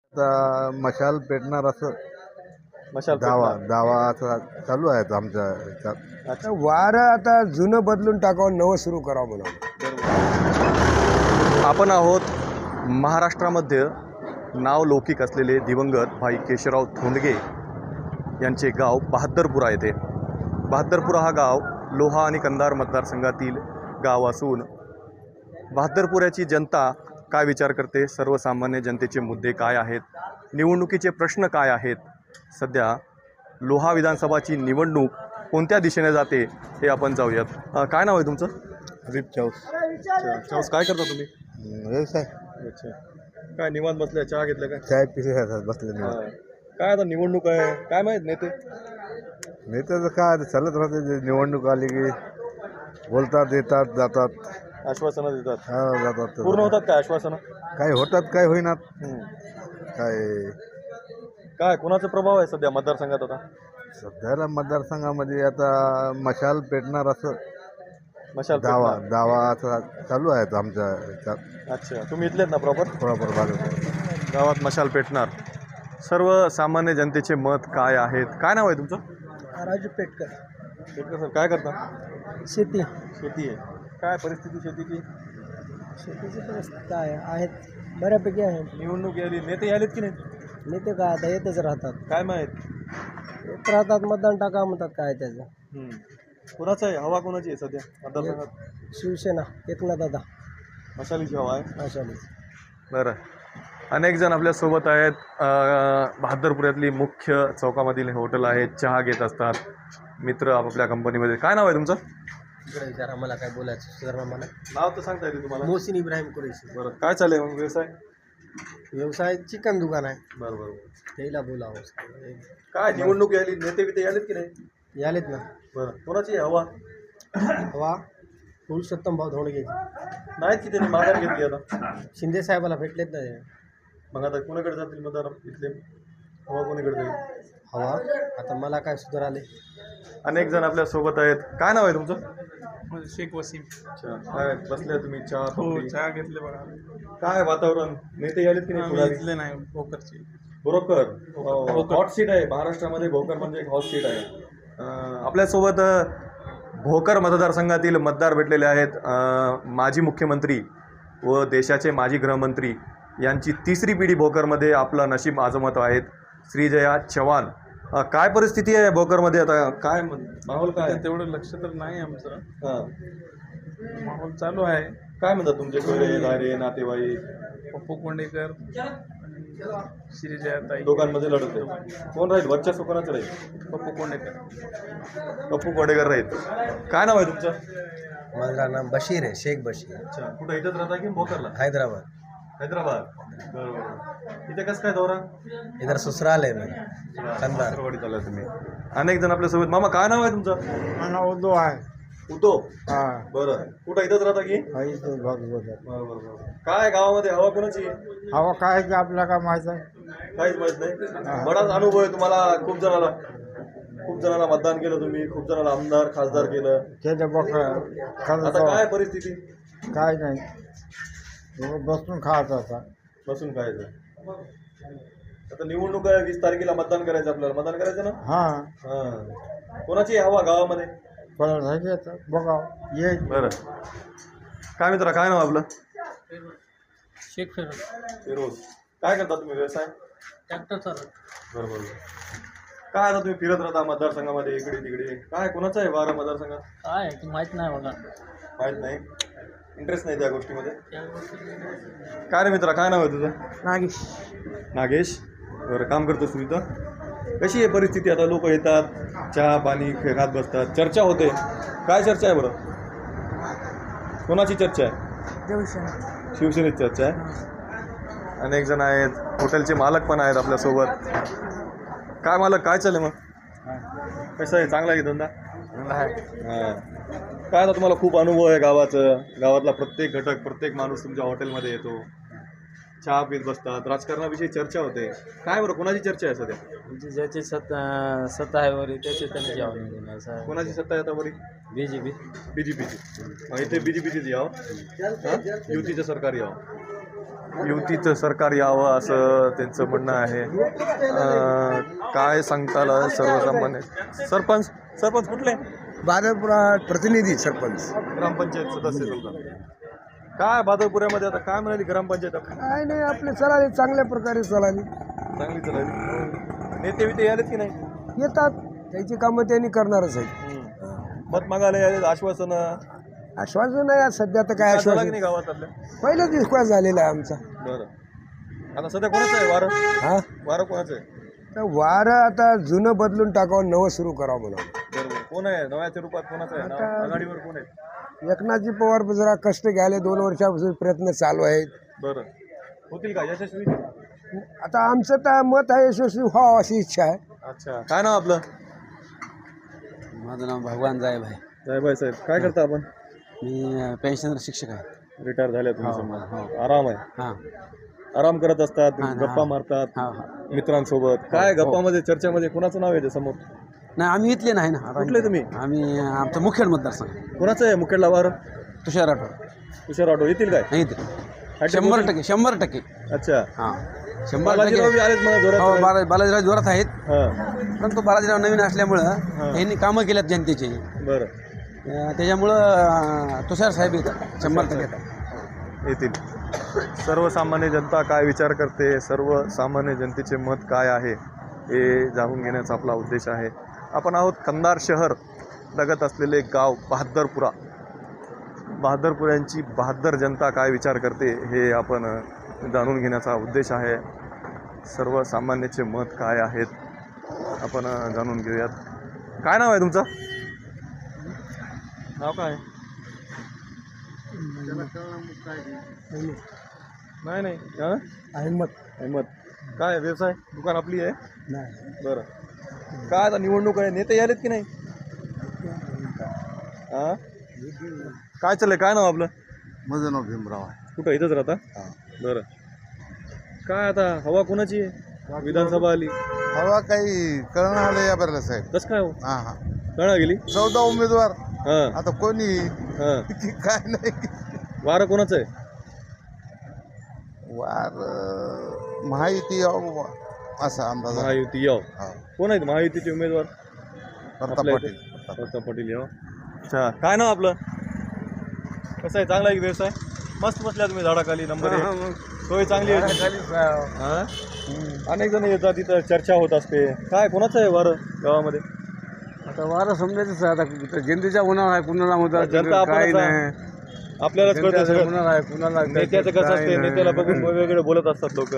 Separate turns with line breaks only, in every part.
आता मशाल पेटणार असं
मशाल
दावा
पेटणार.
दावा असा चालू आहे आमच्या ह्याच्यात.
अच्छा.
वारं आता जुनं बदलून टाकावं नवं सुरू करावं म्हणून.
आपण आहोत महाराष्ट्रामध्ये नाव लौकिक असलेले दिवंगत भाई केशवराव धोंडगे यांचे गाव बहादरपुरा येथे. बहादरपुरा हा गाव लोहा आणि कंधार मतदारसंघातील गाव असून बहादरपुऱ्याची जनता काय विचार करते, सर्वसामान्य जनतेचे मुद्दे काय आहेत, निवडणुकीचे प्रश्न काय आहेत, सध्या लोहा विधानसभाची निवडणूक कोणत्या दिशेने जाते हे आपण जाऊयात. काय नाव आहे तुमचं?
हरीप चौस
चौस. काय करता तुम्ही?
व्यवसाय
अच्छा. काय निवांत बसल्या, चहा घेतल्या काय?
चाय पिसे बसले नाही.
काय आता निवडणूक आहे, काय माहीत नेते?
नेत्याचं काय आता चालत राहते. जे निवडणूक आली की बोलतात, येतात, जातात.
आश्वासनं देतात,
हा, जातात.
पूर्ण होतात काय आश्वासनं?
काही होतात, काही होईनात. काय
काय कोणाचा प्रभाव आहे सध्या मतदारसंघात आता?
सध्याला मतदारसंघामध्ये आता मशाल पेटणार असं
मशाल
दावा
पेटणार.
दावा असा चालू आहे आमच्या ह्याच्यात.
अच्छा. तुम्ही इथलेत ना प्रॉपर?
थोडाफार भागात
गावात मशाल पेटणार. सर्वसामान्य जनतेचे मत काय आहेत? काय नाव आहे तुमचं?
राजू पेटकर.
पेटकर सर. काय करता?
शेती.
शेती आहे. काय परिस्थिती शेतीची?
शेतीची परिस्थिती काय आहेत, बऱ्यापैकी आहे.
निवडणूक यायली, नेते आलेत की नाही?
नेते काय आता येतच राहतात.
काय माहीत?
येत राहतात, मतदान टाका म्हणतात. काय त्याचं
कोणाचं आहे, हवा कोणाची आहे सध्या मतदारसंघात?
शिवसेना एकनाथ दादा
मशालीची हवा आहे.
आशाली.
बरं. अनेक जण आपल्यासोबत आहेत. बहादरपुऱ्यातली मुख्य चौकामधील हॉटेल आहे, चहा घेत असतात मित्र आपापल्या कंपनीमध्ये. काय नाव आहे तुमचं?
इकडे विचारा, मला काय बोलायचं सुधारणा. मला
नाव तर सांगता येते तुम्हाला?
मोहसिन इब्राहिम कुरैशी.
बरं. काय चालेल मग व्यवसाय?
व्यवसाय चिकन दुकान आहे.
बरं बरं.
त्याला बोलावं.
काय निवडणूक यायली, नेते बिते आलेत की नाही?
यालेत ना.
बरं. कोणाची आहे हवा?
हवा पुरुषोत्तम भाऊ धोंडगे.
नाहीत की त्यांनी माघार घेतली आता?
शिंदे साहेबाला भेटलेत ना.
मग आता कोणाकडे जातील मतदार इथले? हवा कोणाकडे जाईल?
हवा आता मला काय सुधार आले.
अनेक जण आपल्या सोबत आहेत. काय नाव आहे तुमचं?
शेख वसीम.
अच्छा. काय बसले तुम्ही, चहा पकडी?
चहा घेतले बघा.
काय वातावरण, नेते आलेत की नाही?
घेतले नाही. भोकरची.
भोकर हॉट सीट आहे महाराष्ट्रामध्ये. भोकर म्हणजे एक हॉट सीट आहे. आपल्यासोबत भोकर मतदारसंघातील मतदार भेटलेले आहेत. माजी मुख्यमंत्री व देशाचे माजी गृहमंत्री यांची तिसरी पिढी भोकरमध्ये आपलं नशीब आजमावत आहेत, श्रीजया चव्हाण. काय परिस्थिती आहे भोकरमध्ये आता? काय माहोल काय?
तेवढं लक्ष तर नाही आमचं.
हां.
माहोल चालू आहे.
काय म्हणतात तुमचे कोयरे दारे नातेवाईक?
पप्पू कोंडेकर, श्रीजयाताई.
दोघांमध्ये लढत आहे. कोण राहील वर्चस्व, कोणाचं राहील?
पप्पू कोंडेकर.
पप्पू कोडेकर राहील. काय नाव आहे तुमचं?
माझं नाम बशीर आहे, शेख बशीर.
अच्छा. कुठं इथंच राहता की भोकरला?
हैदराबाद.
हैदराबाद. बरोबर. इथे कसं काय दौरा?
इधर ससुराल आहे मेरा. कंधार.
सासरवाडीत आला तुम्ही. अनेक जण आपल्यासोबत. मामा काय नाव आहे तुमचं?
मला उर्दू आहे.
उतो.
हा.
बरं. कुठं इथंच राहता की? बरोबर. काय गावामध्ये हवा कोणाची?
हवा काय की आपल्याला काय माहित आहे.
काहीच माहित नाही. बराच अनुभव आहे तुम्हाला. खूप जणांना मतदान केलं तुम्ही, खूप जणांना आमदार खासदार केलं. आता काय परिस्थिती?
काय नाही, बसून खायचं आता.
बसून खायचं. आता निवडणूक आहे, 20 तारखेला मतदान करायचं आपल्याला. मतदान करायचं ना? हां. कोणाची हवा गावामध्ये?
बघा ये.
बरं. काय मित्रा, काय नाव आपलं?
शेख
फिरोज. काय करता तुम्ही व्यवसाय?
ट्रॅक्टर चालत.
बरोबर. काय आता तुम्ही फिरत राहता मतदारसंघामध्ये इकडे तिकडे. काय कोणाचं आहे वारं मतदारसंघात?
काय माहित नाही बघा.
माहीत नाही, इंटरेस्ट नाही त्या गोष्टीमध्ये. काय रे मित्रा, काय नाव आहे तुझं?
नागेश.
नागेश. बरं. काम करतोस तू इथं? कशी आहे परिस्थिती आता? लोक येतात, चहा पाणी खात बसतात, चर्चा होते. काय चर्चा आहे बरं? कोणाची चर्चा आहे? शिवसेनेची चर्चा आहे. अनेक जण आहेत, हॉटेलचे मालक पण आहेत आपल्यासोबत. काय मालक, काय चालेल मग? कसं आहे, चांगला आहे की धंदा? हां. काय आता तुम्हाला खूप अनुभव आहे गावातला प्रत्येक घटक, प्रत्येक माणूस तुमच्या हॉटेलमध्ये येतो, चहा पीत बसतात, राजकारणाविषयी चर्चा होते. काय बरं, कोणाची चर्चा आहे सध्या?
म्हणजे ज्याची सत्ता आहे वरी त्याची त्यांनी यावं.
कोणाची सत्ता आहे आता बरी?
BJP.
BJPची. इथे BJPचीच यावं, युतीचं सरकार यावं. युतीचं सरकार यावं असं त्यांचं म्हणणं आहे. काय सांगताल सर्वसामान्य सरपंच सरपंच कुठले
बादलपुरा प्रतिनिधी सरपंच.
ग्रामपंचायत सदस्य समजा काय बादलपुऱ्यामध्ये आता काय म्हणाली ग्रामपंचायत
काय नाही आपले चलाली चांगल्या प्रकारे चलाली
चांगली चालली. नेते विते आलेत की नाही?
येतात त्याची कामं त्यांनी करणारच आहेत.
मत मागायला आले आश्वासन
आश्वासन आहे सध्या तर काय
झाला की
आश्वासन
नाही गावात आपल्या?
पहिलेच विश्वास झालेला आहे आमचा.
बरं आता सध्या कोणाचं आहे वारं?
हा
वारं कोणाचं आहे?
तर वारं आता जुनं बदलून टाकावं नवं सुरू करावं म्हणून.
बरोबर कोण आहे नव्याच्या रूपात कोणाचं आहे नाव? आघाडीवर कोण आहे?
एकनाथजी पवार जरा कष्ट घ्यायला 2 वर्षापासून प्रयत्न चालू आहेत.
बरं होतील का यशस्वी?
आता आमचं तर मत आहे यशस्वी व्हावं अशी इच्छा आहे.
अच्छा काय नाव आपलं?
माझं नाव भगवान जायब आहे.
साहेबाई साहेब काय करता आपण?
मी पेन्शनर शिक्षक आहे.
रिटायर झाल्या तुम्ही
हो,
समजा.
हो.
आराम आहे
हां
आराम करत असतात
हां,
गप्पा
हां.
मारतात
हां हां
मित्रांसोबत काय गप्पामध्ये चर्चेमध्ये कोणाचं नाव आहे समोर?
नाही आम्ही इथले नाही ना.
कुठले तुम्ही?
आम्ही आमचं मुखेड मतदारसंघ
कोणाचं आहे मुखेडला वारं?
तुषार राठोड.
तुषार ऑटो येतील काय?
नाही इथे 100%.
अच्छा
हां 100%.
बालाजीराव बी आलेत मला
हो
जोरात.
बालाजीराव जोरात आहेत.
हां
परंतु बालाजीराव नवीन असल्यामुळं यांनी कामं केल्यात जनतेचे.
बरं
त्याच्यामुळं तुषार साहेब येतात 100% येतात.
येतील. सर्वसामान्य जनता काय विचार करते सर्वसामान्य जनतेचे मत काय आहे हे जाणून घेण्याचा आपला उद्देश आहे. आपण आहोत कंधार शहर लगत असलेले गाव बहादरपुरा. बहादरपुऱ्यांची बहादर जनता काय विचार करते हे आपण जाणून घेण्याचा उद्देश आहे. सर्वसामान्याचे मत काय आहेत आपण जाणून घेऊयात. काय नाव आहे तुमचं? नाव काय? नाही नाही हां अहमद. काय व्यवसाय दुकान आपली आहे?
नाही
बरं काय आता निवडणूक आहे नेते आलेत की नाही? हां काय चाललंय काय नाव आपलं?
माझं नाव भीमराव आहे.
कुठं इथंच राहता? बरं काय आता हवा कोणाची आहे? विधानसभा आली
हवा काही कळणं आलं या बरं साहेब.
कसं काय हो
हां हां
कळा गेली
14 उमेदवार
हां
आता कोणी
हां
काय नाही
वारं कोणाचं आहे?
वार महायुती असा अंदाज आहे.
महायुती याव
हा.
कोण आहेत महायुतीचे उमेदवार?
प्रताप
आपल्या
पाटील.
इथे? प्रताप पाटील याव. अच्छा काय नाव आपलं? कसं आहे चांगला आहे की व्यवसाय? मस्त बसल्या तुम्ही झाडाखाली नंबर 1 सोय चांगली आहे. हां अनेक जण येतात तिथं चर्चा होत असते. काय कोणाचं आहे वारं गावामध्ये?
आता वारं समजायचं आता जनतेच्या उन्हाळा आहे कुणाला
जनता
काही
आपणच आहे.
नाही.
आपल्यालाच कळतं सगळं.
कुणाला आहे कुणाला
नेत्याचं कसं असते नेत्याला बघून वेगवेगळे बोलत असतात लोक.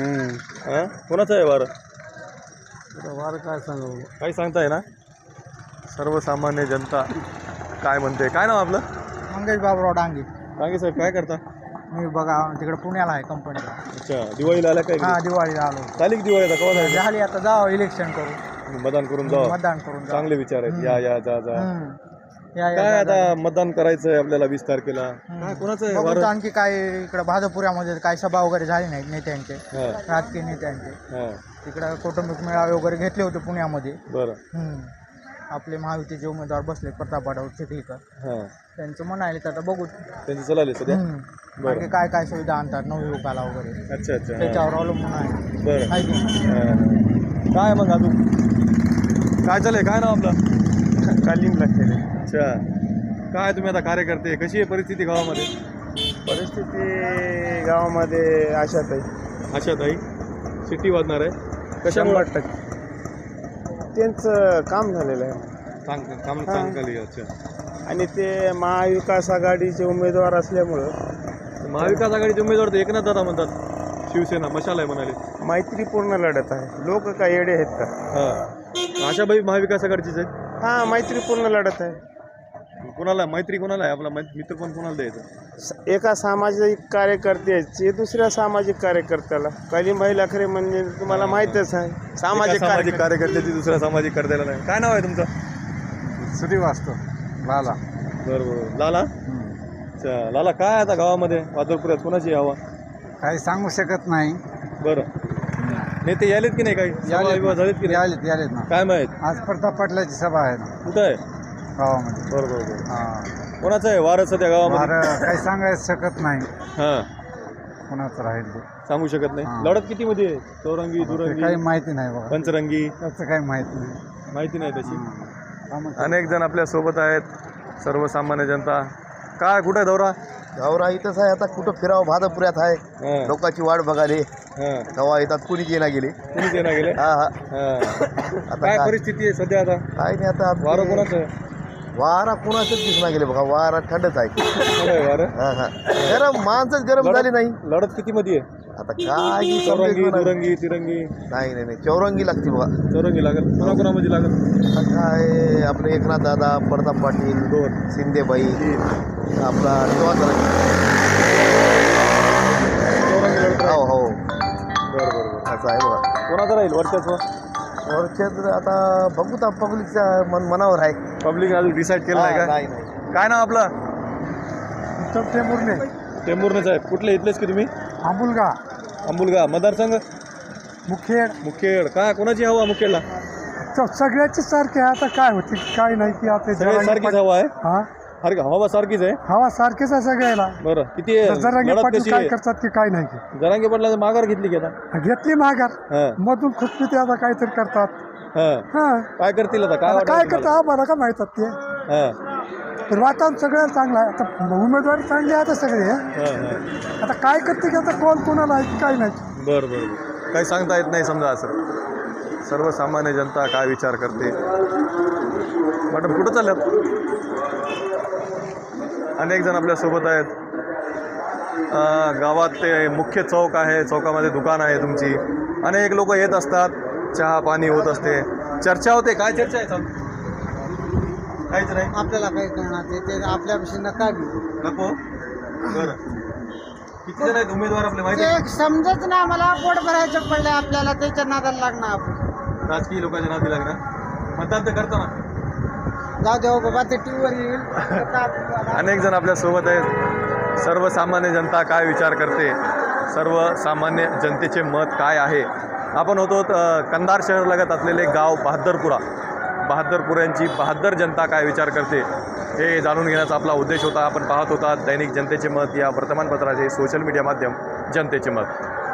कोणाचं आहे वारं?
वारं काय सांगू
काही सांगताय ना? सर्वसामान्य जनता काय म्हणते? काय नाव आपलं?
मंगेश बाबूराव डांगे.
सांगे साहेब काय करता?
मी बघा तिकडे पुण्याला आहे कंपनीला.
अच्छा दिवाळीला आल्या काय?
हा दिवाळीला आलो.
झाली की दिवाळी आता केव्हा जायचं?
झाली आता जावं इलेक्शन करू
मतदान करून जावं.
मतदान करून जावं.
चांगले विचार आहेत. या या जा जा.
या
काय
या
आता मतदान करायचं आहे आपल्याला 20 तारखेला. काय कोणाचं आहे
बघू
वारं?
आणखी काय इकडे भाजपुऱ्यामध्ये काय सभा वगैरे झाली नाही नेत्यांचे
हां
राजकीय नेत्यांचे.
हां
तिकडे कौटुंबिक मेळावे वगैरे घेतले होते पुण्यामध्ये.
बरं
आपले महायुतीचे उमेदवार बसले प्रताप पाटील चिखलीकर
हां
त्यांचं म्हणाले तर आता बघू.
त्यांचं चालले सध्या.
आणखी काय काय सुविधा आणतात नवयुवकाला वगैरे
अच्छा अच्छा हां.
त्याच्यावर अवलंबून आहे.
बरं
आहे की नाही?
हां. काय मग अजून काय चाललंय? काय नाव आपलं?
कालिंग लागते.
अच्छा काय तुम्ही आता कार्यकर्ते कशी आहे परिस्थिती गावामध्ये?
परिस्थिती गावामध्ये अशात आहे.
अशा ताई सिटी वाजणार आहे कशामुळे?
100% त्यांचं काम झालेलं आहे
काम चांगली. अच्छा
आणि ते महाविकास आघाडीचे उमेदवार असल्यामुळं
महाविकास आघाडीचे उमेदवार तर एकनाथ दादा म्हणतात शिवसेना मशाल आहे म्हणाले.
मैत्रीपूर्ण लढत आहे. लोक काय येडे आहेत का?
हां आशाबाई महाविकास आघाडीचीच आहे.
हां मैत्रीपूर्ण लढत आहे.
कोणाला मैत्री कोणाला आहे? आपला मित्र पण कोणाला द्यायचं?
एका सामाजिक कार्यकर्त्याचे दुसऱ्या सामाजिक कार्यकर्त्याला कालिंबाई लाखरे म्हणजे तुम्हाला माहीतच आहे.
सामाजिक कार्यकर्त्याची दुसऱ्या सामाजिक कर्त्याला नाही. काय नाव आहे तुमचं?
श्रीवास्तव लाला.
बरोबर लाला. अच्छा लाला काय आता गावामध्ये वादळपुऱ्यात कोणाची हवा?
काही सांगू शकत नाही.
बरं नेते यालेत की नाही? काही सभा विवाह झालेत की नाही?
यालेत ना.
काय माहीत?
आज प्रताप पाटलाची सभा आहे ना
कुठं आहे?
गावामध्ये.
बरोबर कोणाचं आहे वारं सध्या गावामध्ये?
काही सांगायचं शकत नाही.
हां
कोणाचं राहील ते
सांगू शकत नाही.
हां.
लढत किती मध्ये आहे? चौरंगी
ते
दुरंगी
काही माहिती नाही बघा,
पंचरंगी
त्याचं काही माहिती नाही.
माहिती नाही तशी.
कामं
अनेक जण आपल्या सोबत आहेत, सर्वसामान्य जनता. काय कुठे दौरा?
गावरा इथंच आहे, आता कुठं फिरावं, भादपुऱ्यात आहे,
हां,
लोकांची वाट बघाले
हां.
केव्हा येतात, कुणी येणार गेले.
कुणी देणार गेले?
हा हा
हां.
आता
काय
काय
परिस्थिती आहे सध्या आता?
काय नाही आता
वारं कोणाचं आहे?
वारा कुणाचंच दिसणार गेले बघा, वारा थंडच आहे.
कोण आहे वारं?
हा हा गरम माणसंच गरम झाली नाही.
लढत किती मध्ये आहे?
आता काय ही
चौरंगी
समजेल नाही.
दुरंगी तिरंगी
नाही चौरंगी लागते बघा.
चौरंगी लागत. कोणाकोणामध्ये लागत?
आता काय आपले एकनाथ दादा, प्रताप पाटील,
दोन
शिंदेबाई,
तीन.
आपला चौरंगी.
चौरंगी लढत
हो हो
बरं बरं बरं.
असं आहे बघा.
कोणाचं राहील वर्चस्व?
वरच्यात आता बघू तर पब्लिकच्या मनावर आहे.
पब्लिक अजून डिसाईड केलं नाही का?
नाही नाही
काय नाव आपलं?
टेंभुर्णे,
टेंभुर्णे साहेब. कुठले इथलेच की तुम्ही?
आंबुलगा,
अंबुलगा. मतदारसंघ?
मुखेड,
मुखेड. काय कोणाची हवा मुखेडला?
सगळ्याची सारखे आहे. आता काय होते काय नाही की आता
सगळे सारखीच हवा आहे.
हा
हवा सारखीच आहे.
हवा सारखेच आहे सगळ्याला.
बरं किती आहे?
जरांगे
लढत
पाटील
कशी
काय
आहे?
करतात की काय नाही की
जरांगे पाटलाचं माघार घेतली की आता?
घेतली माघार,
हां
मधून खुशपी ते आता काहीतरी करतात.
हां.
हा
काय करतील आता? काय
आता
वाटतं
काय
तुम्हाला?
करतात आम्हाला का माहितात ते.
हां
तर वातावरण सगळं चांगलं आहे. आता उमेदवारी चांगली आहे आता सगळे.
हां हां.
आता काय करते की आता कोण कोणाला आहे की काय नाही.
बरं बरं बरं. काही सांगता येत नाही समजा असं. सर्वसामान्य जनता काय विचार करते. मॅडम कुठं चालल्यात? अनेक जण आपल्यासोबत आहेत. गावात ते मुख्य चौक आहे, चौकामध्ये दुकान आहे तुमची. अनेक लोक येत असतात, चहा पाणी होत असते, चर्चा होते. काय चर्चा आहे चालू? काहीच नाही.
आपल्याला काही करणार ते आपल्यापाशी नका घेऊ.
नको. बरं किती जण आहेत उमेदवार आपले माहिती आहे?
समजत नाही आम्हाला. पोट भरायचं पडलं आपल्याला, त्याच्या नादाला लागणार आपण.
राजकीय लोकांच्या नादी लागणार. मतदान तर करतो ना.
जाऊ देऊ बाबा, ते टीव्हीवर येईल.
अनेक जण आपल्यासोबत आहेत. सर्वसामान्य जनता काय विचार करते, सर्वसामान्य जनतेचे मत काय आहे. आपण होतो कंधार शहरालगत असलेले गाव बहादरपुऱ्यांची बहादर जनता काय विचार करते हे जाणून घेण्याचा आपला उद्देश होता. आपण पाहत होता दैनिक जनतेचे मत या वर्तमानपत्राचे सोशल मीडिया माध्यम जनतेचे मत.